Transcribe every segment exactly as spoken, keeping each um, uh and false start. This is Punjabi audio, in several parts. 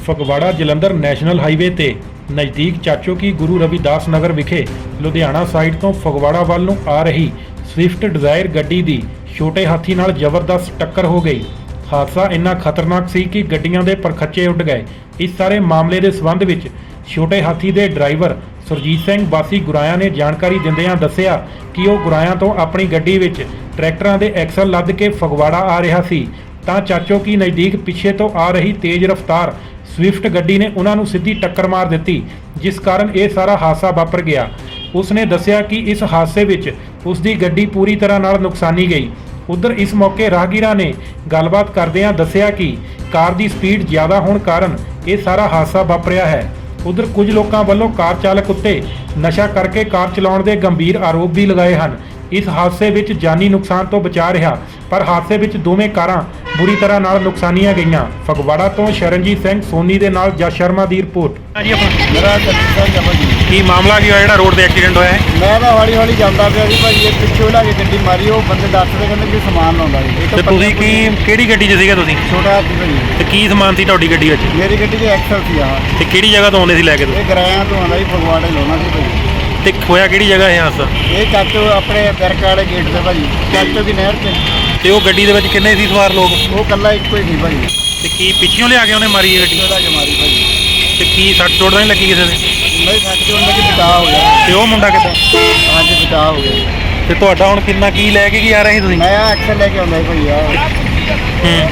ਫਗਵਾੜਾ ਜਲੰਧਰ ਨੈਸ਼ਨਲ ਹਾਈਵੇ ਤੇ ਨਜ਼ਦੀਕ ਚਾਚੋ ਕੀ ਗੁਰੂ ਰਵਿਦਾਸ ਨਗਰ ਵਿਖੇ ਲੁਧਿਆਣਾ ਸਾਈਡ ਤੋਂ ਫਗਵਾੜਾ ਵੱਲ ਨੂੰ ਆ ਰਹੀ ਸਵਿਫਟ ਡਿਜ਼ਾਇਰ ਗੱਡੀ ਦੀ ਛੋਟੇ ਹਾਥੀ ਨਾਲ ਜ਼ਬਰਦਸਤ ਟੱਕਰ ਹੋ ਗਈ। ਹਾਦਸਾ ਇੰਨਾ ਖਤਰਨਾਕ ਸੀ ਕਿ ਗੱਡੀਆਂ ਦੇ ਪਰਖੱਚੇ ਉੱਡ ਗਏ। ਇਸ ਸਾਰੇ ਮਾਮਲੇ ਦੇ ਸਬੰਧ ਵਿੱਚ ਛੋਟੇ ਹਾਥੀ ਦੇ ਡਰਾਈਵਰ ਸੁਰਜੀਤ ਸਿੰਘ ਵਾਸੀ ਗੁਰਾਇਆ ਨੇ ਜਾਣਕਾਰੀ ਦਿੰਦਿਆਂ ਦੱਸਿਆ ਕਿ ਉਹ ਗੁਰਾਇਆ ਤੋਂ ਆਪਣੀ ਗੱਡੀ ਵਿੱਚ ਟਰੈਕਟਰਾਂ ਦੇ ਐਕਸਲ ਲੱਦ ਕੇ ਫਗਵਾੜਾ ਆ ਰਿਹਾ ਸੀ ਤਾਂ ਚਾਚੋ ਕੀ ਨਜ਼ਦੀਕ ਪਿੱਛੇ ਤੋਂ ਆ ਰਹੀ ਤੇਜ਼ ਰਫ਼ਤਾਰ ਸਵਿਫਟ ਗੱਡੀ ਨੇ ਉਹਨਾਂ ਨੂੰ ਸਿੱਧੀ ਟੱਕਰ ਮਾਰ ਦਿੱਤੀ, ਜਿਸ ਕਾਰਨ ਇਹ ਸਾਰਾ ਹਾਦਸਾ ਵਾਪਰ ਗਿਆ। ਉਸਨੇ ਦੱਸਿਆ ਕਿ ਇਸ ਹਾਦਸੇ ਵਿੱਚ ਉਸ ਦੀ ਗੱਡੀ ਪੂਰੀ ਤਰ੍ਹਾਂ ਨਾਲ ਨੁਕਸਾਨੀ ਗਈ। ਉਧਰ ਇਸ ਮੌਕੇ ਰਾਹਗੀਰਾਂ ਨੇ ਗੱਲਬਾਤ ਕਰਦਿਆਂ ਦੱਸਿਆ ਕਿ ਕਾਰ ਦੀ ਸਪੀਡ ਜ਼ਿਆਦਾ ਹੋਣ ਕਾਰਨ ਇਹ ਸਾਰਾ ਹਾਦਸਾ ਵਾਪਰਿਆ ਹੈ। ਉਧਰ ਕੁਝ ਲੋਕਾਂ ਵੱਲੋਂ ਕਾਰ ਚਾਲਕ ਉੱਤੇ ਨਸ਼ਾ ਕਰਕੇ ਕਾਰ ਚਲਾਉਣ ਦੇ ਗੰਭੀਰ ਆਰੋਪ ਵੀ ਲਗਾਏ ਹਨ। ਇਸ ਹਾਦਸੇ ਵਿੱਚ ਜਾਨੀ ਨੁਕਸਾਨ ਤੋਂ ਬਚਾ ਰਿਹਾ, ਪਰ ਹਾਦਸੇ ਵਿੱਚ ਦੋਵੇਂ ਕਾਰਾਂ ਬੁਰੀ ਤਰ੍ਹਾਂ ਨਾਲ ਨੁਕਸਾਨੀਆਂ ਗਈਆਂ। ਫਗਵਾੜਾ ਤੋਂ ਸ਼ਰਨਜੀਤ ਸਿੰਘ ਸੋਨੀ ਦੇ ਨਾਲ ਜਸ ਸ਼ਰਮਾ ਦੀ ਰਿਪੋਰਟ। ਜੀ ਆਪਣਾ ਮੇਰਾ ਸਤਿ ਜਮਾ ਜੀ। ਕੀ ਮਾਮਲਾ ਕੀ ਹੋਇਆ ਜਿਹੜਾ ਰੋਡ ਤੇ ਐਕਸੀਡੈਂਟ ਹੋਇਆ ਹੈ? ਮੈਂ ਤਾਂ ਹੌਲੀ ਹੌਲੀ ਜਾਂਦਾ ਪਿਆ ਸੀ ਭਾਜੀ, ਇਹ ਪਿੱਛੋਂ ਲਾ ਕੇ ਗੱਡੀ ਮਾਰੀ। ਉਹ ਬੰਦੇ ਦੱਸਦੇ ਕਹਿੰਦੇ ਕਿ ਸਮਾਨ ਲਾਉਂਦਾ ਜੀ। ਤੇ ਤੁਸੀਂ ਕੀ ਕਿਹੜੀ ਗੱਡੀ 'ਚ ਸੀਗਾ ਤੁਸੀਂ? ਛੋਟਾ ਹਾਥੀ ਭਾਜੀ। ਤੇ ਕੀ ਸਮਾਨ ਸੀ ਤੁਹਾਡੀ ਗੱਡੀ ਵਿੱਚ? ਮੇਰੀ ਗੱਡੀ ਦੇ ਐਕਸਲ ਸੀ ਆ। ਤੇ ਕਿਹੜੀ ਜਗ੍ਹਾ ਤੋਂ ਆਉਂਦੇ ਸੀ ਲੈ ਕੇ ਤੁਸੀਂ? ਇਹ ਗਰਾਇਆਂ ਤੋਂ ਆਉਂਦਾ ਜੀ, ਫਗਵਾੜੇ ਲਾਉਣਾ ਸੀ ਭਾਜੀ। ਤੇ ਹੋਇਆ ਕਿਹੜੀ ਜਗ੍ਹਾ ਇਹ ਹਾਦਸਾ? ਇਹ ਚਾਚੋ ਆਪਣੇ ਬਿਰਕ ਵਾਲੇ ਗੇਟ ਤੇ ਭਾਜੀ, ਚਾਚੋ ਦੀ ਨਹਿਰ ਤੇ। ਤੇ ਉਹ ਗੱਡੀ ਦੇ ਵਿੱਚ ਕਿੰਨੇ ਸੀ ਸਵਾਰ ਲੋਕ? ਉਹ ਕੱਲਾ ਇੱਕੋ ਹੀ ਸੀ ਭਾਜੀ। ਤੇ ਕੀ ਪਿੱਛੋਂ ਲਿਆ ਕੇ ਉਹਨੇ ਮਾਰੀ ਇਹ ਗੱਡੀ? ਉਹਦਾ ਜਮਾਰੀ ਭਾਜੀ। ਤੇ ਕੀ ਸੱਟ ਚੋਟ ਤਾਂ ਨਹੀਂ ਲੱਗੀ ਕਿਸੇ ਦੇ? ਨਹੀਂ ਸੱਚ ਤੋਂ ਉਹਨਾਂ ਦੀ ਬਚਾਅ ਹੋ ਗਿਆ। ਤੇ ਉਹ ਮੁੰਡਾ ਕਿੱਦਾਂ? ਹਾਂਜੀ ਬਚਾਅ ਹੋ ਗਿਆ। ਤੇ ਤੁਹਾਡਾ ਹੁਣ ਕਿੰਨਾ ਕੀ ਲੈ ਕੇ ਕੀ ਆ ਰਹੇ ਸੀ ਤੁਸੀਂ? ਮੈਂ ਆ ਐਕਸਲ ਲੈ ਕੇ ਆਉਂਦਾ ਸੀ ਭਾਜੀ ਆ। ਹੂੰ।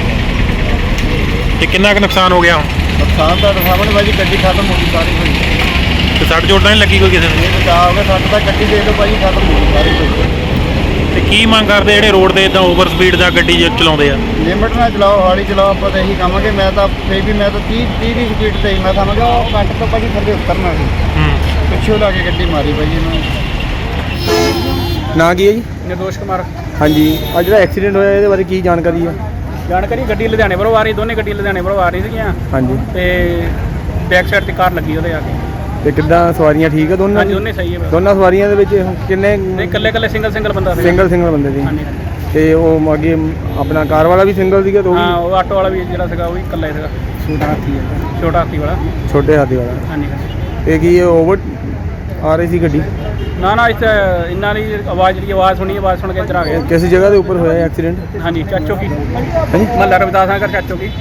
ਤੇ ਕਿੰਨਾ ਕੁ ਨੁਕਸਾਨ ਹੋ ਗਿਆ ਹੁਣ? ਨੁਕਸਾਨ ਤਾਂ ਸਾਹਮਣੇ ਭਾਜੀ, ਗੱਡੀ ਖਤਮ ਹੋ ਗਈ ਸਾਰੀ ਭਾਜੀ। ਤੇ ਸੱਟ ਚੋਟ ਤਾਂ ਨਹੀਂ ਲੱਗੀ ਕੋਈ ਕਿਸੇ ਨੂੰ? ਇਹ ਬਚਾਅ ਹੋ ਗਿਆ। ਸਾਡੇ ਤਾਂ ਗੱਡੀ ਦੇ ਦਿਓ ਭਾਜੀ, ਖਤਮ ਹੋ ਗਈ ਸਾਰੀ ਭਾਜੀ। ਤੇ ਕੀ ਮੰਗ ਕਰਦੇ ਜਿਹੜੇ ਰੋਡ ਤੇ ਇਦਾਂ ਓਵਰ ਸਪੀਡ ਦਾ ਗੱਡੀ ਜ- ਚਲਾਉਂਦੇ ਆ? ਲਿਮਟ ਨਾਲ ਚਲਾਓ, ਹੌਲੀ ਚਲਾਓ। ਆਪਾਂ ਤਾਂ ਇਹੀ ਕਹਾਂਗੇ। ਮੈਂ ਤਾਂ ਫੇਰ ਵੀ ਮੈਂ ਤਾਂ ਤੀਹ ਤੀਹ ਦੀ ਸਪੀਡ ਤੇ ਹੀ ਮੈਂ ਸਮਝਦਾ ਉਹ ਕੱਟ ਤੋਂ ਭਾਜੀ ਥੱਲੇ ਉਤਰਨਾ ਸੀ। ਹੂੰ। ਪਿੱਛੋਂ ਲਾ ਕੇ ਗੱਡੀ ਮਾਰੀ ਭਾਜੀ ਇਹਨੂੰ। ਨਾਂ ਕੀ ਹੈ ਜੀ? ਨਿਰਦੋਸ਼ ਕੁਮਾਰ। ਹਾਂਜੀ, ਆ ਜਿਹੜਾ ਐਕਸੀਡੈਂਟ ਹੋਇਆ ਇਹਦੇ ਬਾਰੇ ਕੀ ਜਾਣਕਾਰੀ ਹੈ? ਜਾਣਕਾਰੀ ਗੱਡੀ ਲੁਧਿਆਣੇ ਵੱਲੋਂ ਆ ਰਹੀ, ਦੋਨੇ ਗੱਡੀ ਲੁਧਿਆਣੇ ਵੱਲੋਂ ਆ ਰਹੀ ਸੀਗੀਆਂ ਹਾਂਜੀ, ਤੇ ਬੈਕ ਸਾਈਡ ਤੇ ਕਾਰ ਲੱਗੀ ਉਹਦੇ ਆ ਕੇ। ਤੇ ਕਿੱਦਾਂ ਸਵਾਰੀਆਂ ਠੀਕ ਹੈ ਦੋਨਾਂ? ਹਾਂਜੀ ਦੋਨੇ ਸਹੀ ਹੈ। ਦੋਨਾਂ ਸਵਾਰੀਆਂ ਦੇ ਵਿੱਚ ਕਿੰਨੇ? ਨਹੀਂ ਇਕੱਲੇ ਇਕੱਲੇ ਸਿੰਗਲ ਸਿੰਗਲ ਬੰਦਾ ਸੀ। ਸਿੰਗਲ ਸਿੰਗਲ ਬੰਦੇ ਸੀ। ਹਾਂਜੀ ਤੇ ਉਹ ਅੱਗੇ ਆਪਣਾ ਕਾਰ ਵਾਲਾ ਵੀ ਸਿੰਗਲ ਸੀਗਾ? ਤੇ ਉਹ ਹਾਂ, ਵੀ ਉਹ ਆਟੋ ਵਾਲਾ ਵੀ ਜਿਹੜਾ ਸੀਗਾ ਉਹ ਵੀ ਇਕੱਲਾ ਹੀ ਸੀਗਾ। ਛੋਟਾ ਹਾਥੀ ਹੈ। ਛੋਟਾ ਹਾਥੀ ਵਾਲਾ। ਛੋਟੇ ਹਾਥੀ ਵਾਲਾ। ਹਾਂਜੀ। ਤੇ ਕੀ ਇਹ ਓਵਰ ਆ ਰਹੀ ਸੀ ਗੱਡੀ? ਨਾ ਨਾ ਇੱਥੇ ਇੰਨਾ ਨਹੀਂ, ਆਵਾਜ਼ ਜਿਹੜੀ ਆਵਾਜ਼ ਸੁਣੀ, ਆਵਾਜ਼ ਸੁਣ ਕੇ ਇੱਧਰ ਆ ਗਏ। ਕਿਸ ਜਗ੍ਹਾ ਦੇ ਉੱਪਰ ਹੋਇਆ ਐਕਸੀਡੈਂਟ? ਹਾਂਜੀ ਚਾਚੋ ਕੀ ਹਾਂਜੀ ਮਹੱਲਾ ਰਵਿਦਾਸ ਨਗਰ ਚਾਚੋ ਕੀ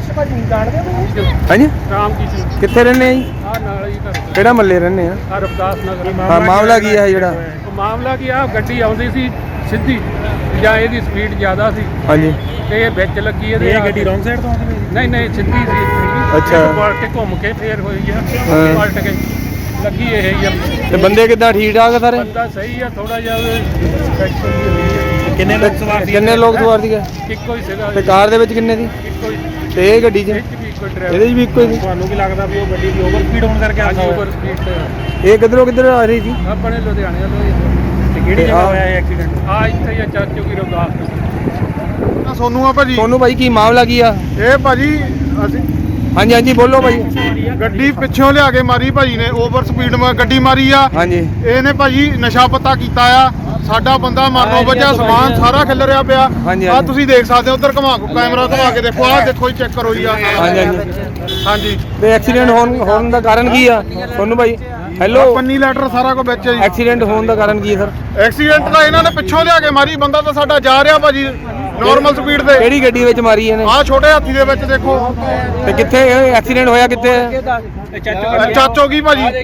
ਹਾਂਜੀ, ਰਾਮ ਕੀ ਸੀ ਕਿੱਥੇ ਰਹਿੰਦੇ ਆ ਜੀ? ਆ ਨਾਲ ਹੀ ਘਰ ਕਿਹੜਾ ਮਹੱਲੇ ਰਹਿੰਦੇ ਆ? ਆ ਰਵਿਦਾਸ ਨਗਰ। ਹਾਂ, ਮਾਮਲਾ ਕੀ ਹੈ ਜਿਹੜਾ? ਉਹ ਮਾਮਲਾ ਕੀ ਆ, ਗੱਡੀ ਆਉਂਦੀ ਸੀ ਸਿੱਧੀ ਜਾਂ ਇਹਦੀ ਸਪੀਡ ਜ਼ਿਆਦਾ ਸੀ ਹਾਂਜੀ, ਤੇ ਇਹ ਵਿੱਚ ਲੱਗੀ ਇਹਦੇ। ਇਹ ਗੱਡੀ ਰੌਂਗ ਸਾਈਡ ਤੋਂ ਆਉਂਦੀ ਪਈ? ਨਹੀਂ ਨਹੀਂ ਸਿੱਧੀ ਸੀ। ਅੱਛਾ। ਇਹ ਪਲਟ ਕੇ ਘੁੰਮ ਕੇ ਫੇਰ ਹੋਈ ਆ, ਹਾਂ। ਪਲਟ ਕੇ ਲੱਗੀ ਇਹ ਹੀ ਆ। ਤੇ ਬੰਦੇ ਕਿੱਦਾਂ ਠੀਕ ਠਾਕ ਆ ਸਾਰੇ? ਬੰਦਾ ਸਹੀ ਆ, ਥੋੜਾ ਜਿਹਾ infection ਜਿਹੀ ਹੋਈ ਆ। ਕਿੰਨੇ ਲੋਕ ਸਵਾਰ ਸੀ? ਕਿੰਨੇ ਲੋਕ ਸਵਾਰ ਸੀਗੇ? ਇੱਕੋ ਹੀ ਸੀਗਾ। ਤੇ ਕਾਰ ਦੇ ਵਿੱਚ ਕਿੰਨੇ ਸੀ? ਇੱਕੋ ਹੀ। ਤੇ ਇਹ ਗੱਡੀ 'ਚ? ਇਹ 'ਚ ਵੀ ਇੱਕੋ ਡਰਾਈਵਰ। ਇਹਦੇ 'ਚ ਵੀ ਇੱਕੋ ਹੀ ਸੀ? ਤੁਹਾਨੂੰ ਕੀ ਲੱਗਦਾ ਵੀ ਉਹ ਗੱਡੀ ਦੀ ਓਵਰ ਸਪੀਡ ਹੋਣ ਕਰਕੇ ਹਾਂਜੀ ਹਾਦਸਾ ਓਵਰ ਹੋਇਆ? ਸਪੀਡ ਤੇ ਇਹ ਕਿੱਧਰੋਂ ਕਿੱਧਰ ਆ ਰਹੀ ਸੀ? ਆਪਣੇ ਲੁਧਿਆਣੇ ਵੱਲੋਂ ਹੀ। ਤੇ ਕਿਹੜੀ ਤੇ ਜਗ੍ਹਾ ਆਹ- ਹੋਇਆ ਇਹ ਐਕਸੀਡੈਂਟ? ਆ ਇੱਥੇ ਹੀ ਆ ਚਾਚੋ ਕੀ ਰਵਿਦਾਸ। ਸੋਨੂੰ ਆ ਭਾਜੀ। ਤੁਹਾਨੂੰ ਭਾਈ ਕੀ ਮਾਮਲਾ ਕੀ ਆ? ਇਹ ਭਾਜੀ ਅਸੀਂ ਹਾਂਜੀ ਹਾਂਜੀ, ਬੋਲੋ ਭਾਈ। ਗੱਡੀ ਪਿੱਛੋਂ ਲਿਆ ਕੇ ਮਾਰੀ ਭਾਜੀ ਨੇ। ਓਵਰ ਸਪੀਡ ਮਾ ਗੱਡੀ ਮਾਰੀ ਆ। ਹਾਂਜੀ, ਇਹਨੇ ਭਾਜੀ ਨਸ਼ਾ ਪੱਤਾ ਕੀਤਾ ਆ। ਸਾਡਾ ਬੰਦਾ ਮਰਨੋਂ ਵੱਜਿਆ, ਸਮਾਨ ਸਾਰਾ ਖਿਲਰਿਆ ਪਿਆ। ਹਾਂਜੀ, ਆ ਹਾਂਜੀ। ਤੁਸੀਂ ਦੇਖ ਸਕਦੇ ਹੋ, ਉਧਰ ਘੁਮਾ ਕੈਮਰਾ ਘੁਮਾ ਕੇ ਦੇਖੋ। ਆਹ ਦੇਖੋ ਜੀ, ਚੈੱਕ ਕਰੋ ਜੀ। ਆਹ ਹਾਂਜੀ ਹਾਂਜੀ। ਹਾਂਜੀ, ਤੇ ਐਕਸੀਡੈਂਟ ਹੋਣ ਹੋਣ ਦਾ ਕਾਰਨ ਕੀ ਆ ਤੁਹਾਨੂੰ ਭਾਈ? ਹੈਲੋ, ਪੰਨੀ ਲੈਟਰ ਸਾਰਾ ਕੁਝ ਵਿੱਚ ਹੈ ਜੀ। ਐਕਸੀਡੈਂਟ ਹੋਣ ਦਾ ਕਾਰਨ ਕੀ ਹੈ ਸਰ? ਐਕਸੀਡੈਂਟ ਤਾਂ ਇਹਨਾਂ ਨੇ ਪਿੱਛੋਂ ਲਿਆ ਕੇ ਮਾਰੀ। ਬੰਦਾ ਤਾਂ ਸਾਡਾ ਜਾ ਰਿਹਾ ਭਾਜੀ ਨਾਰਮਲ ਸਪੀਡ ਤੇ। ਕਿਹੜੀ ਗੱਡੀ ਵਿੱਚ ਮਾਰੀ ਇਹਨੇ? ਆਹ ਛੋਟੇ ਹਾਥੀ ਦੇ ਵਿੱਚ ਦੇਖੋ। ਤੇ ਕਿੱਥੇ ਐਕਸੀਡੈਂਟ ਹੋਇਆ? ਕਿੱਥੇ? ਚਾਚੋ ਚਾਚੋ ਕੀ ਭਾਜੀ।